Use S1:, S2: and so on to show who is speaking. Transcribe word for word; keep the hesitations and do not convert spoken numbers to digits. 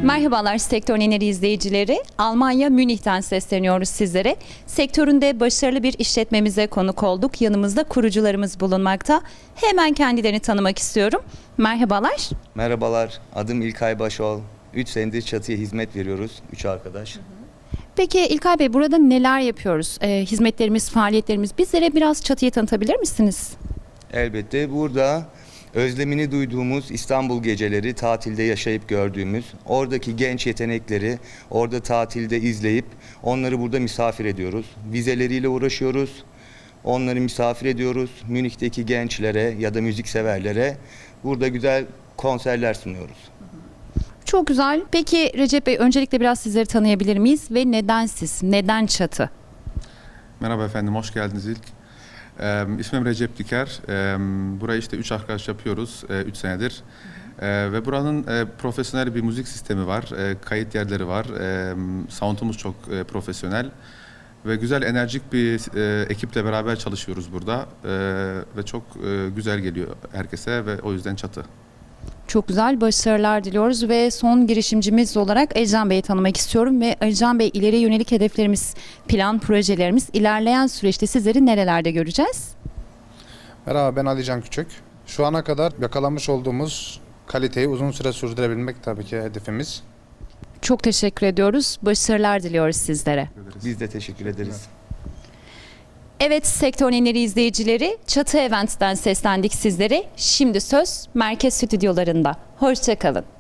S1: Merhabalar Sektör Neneri izleyicileri. Almanya Münih'ten sesleniyoruz sizlere. Sektöründe başarılı bir işletmemize konuk olduk. Yanımızda kurucularımız bulunmakta. Hemen kendilerini tanımak istiyorum. Merhabalar.
S2: Merhabalar, adım İlkay Başol. üç senedir çatıya hizmet veriyoruz, üç arkadaş.
S1: Peki İlkay Bey, burada neler yapıyoruz? Ee, hizmetlerimiz, faaliyetlerimiz. Bizlere biraz çatıyı tanıtabilir misiniz?
S2: Elbette burada özlemini duyduğumuz İstanbul geceleri, tatilde yaşayıp gördüğümüz, oradaki genç yetenekleri orada tatilde izleyip onları burada misafir ediyoruz. Vizeleriyle uğraşıyoruz, onları misafir ediyoruz. Münih'teki gençlere ya da müzikseverlere burada güzel konserler sunuyoruz.
S1: Çok güzel. Peki Recep Bey, öncelikle biraz sizleri tanıyabilir miyiz? Ve neden siz? Neden çatı?
S3: Merhaba efendim, hoş geldiniz ilk. Ee, ismim Recep Diker. Ee, burayı işte üç arkadaş yapıyoruz, e, üç senedir. Ee, ve buranın e, profesyonel bir müzik sistemi var, e, kayıt yerleri var, e, sound'umuz çok e, profesyonel. Ve güzel, enerjik bir e, ekiple beraber çalışıyoruz burada. E, ve çok e, güzel geliyor herkese ve o yüzden çatı.
S1: Çok güzel, başarılar diliyoruz ve son girişimcimiz olarak Ercan Bey'i tanımak istiyorum ve Ercan Bey, ileriye yönelik hedeflerimiz, plan, projelerimiz, ilerleyen süreçte sizleri nerelerde göreceğiz?
S4: Merhaba, ben Ali Can Küçük. Şu ana kadar yakalamış olduğumuz kaliteyi uzun süre sürdürebilmek tabii ki hedefimiz.
S1: Çok teşekkür ediyoruz. Başarılar diliyoruz sizlere.
S2: Biz de teşekkür ederiz.
S1: Evet Sektör Neneri izleyicileri, Çatı Event'ten seslendik sizlere. Şimdi söz merkez stüdyolarında. Hoşça kalın.